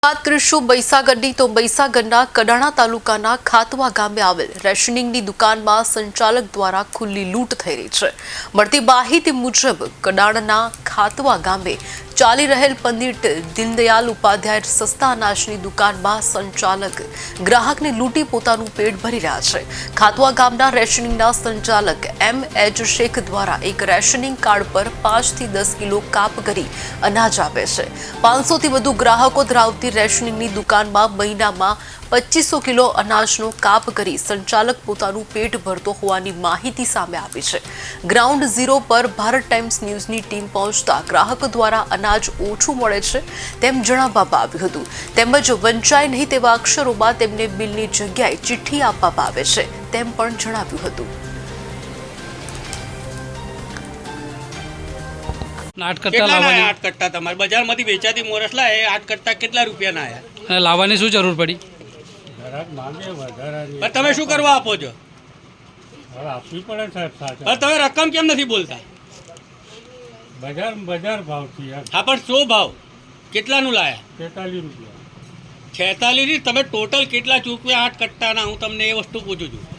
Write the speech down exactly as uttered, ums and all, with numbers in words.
વાત કરીશું મહીસાગરની તો મહીસાગરના કડાણા તાલુકાના ખાતવા ગામે આવેલ રેશનિંગની દુકાનમાં સંચાલક દ્વારા ખુલ્લી લૂંટ થઈ રહી છે। મળતી માહિતી મુજબ કડાણાના ખાતવા ગામે ચાલી રહેલ પંડિત દીનદયાલ ઉપાધ્યાય સસ્તા અનાજની દુકાનમાં સંચાલક ગ્રાહકને લૂંટી પોતાનું પેટ ભરી રહ્યા છે। ખાતવા ગામના રેશનિંગના સંચાલક એમ એચ શેખ દ્વારા એક રેશનિંગ કાર્ડ પર પાંચ થી દસ કિલો કાપ કરી અનાજ આપે છે। પાંચસો થી વધુ ગ્રાહકો ધરાવતી રેશનિંગની દુકાનમાં મહિનામાં પચીસો કિલો અનાજનો કાપ કરી સંચાલક પોતાનું પેટ ભરતો હોવાની માહિતી સામે આવી છે। ગ્રાઉન્ડ ઝીરો પર ભારત ટાઈમ્સ ન્યૂઝની ટીમ પહોંચતા ગ્રાહકો દ્વારા અનાજ ઓછું મળે છે તેમ જણાવવામાં આવ્યું હતું, તેમજ વંચાય નહીં તેવા અક્ષરોમાં તેમને બિલની જગ્યાએ ચિઠ્ઠી આપવામાં આવે છે તેમ પણ જણાવ્યું હતું। આઠ કટ્ટા લાવવાની આઠ કટ્ટા તમારે બજારમાંથી વેચાતી મોરસલા એ આઠ કટ્ટા કેટલા રૂપિયાના આયા અને લાવવાની શું જરૂર પડી? ગ્રાહક માંગે વધારાની પણ તમે શું કરવા આપો છો? હવે આપવી પડે સાહેબ સાચા પણ તમે રકમ કેમ નથી બોલતા? બજાર બજાર ભાવથી યાર હા પણ શું ભાવ કેટલાનું લાયા? તેતાલીસ રૂપિયા છેતાલીસ તમે ટોટલ કેટલા ચૂકવ્યા આઠ કટ્ટાના? હું તમને એ વસ્તુ પૂછું છું।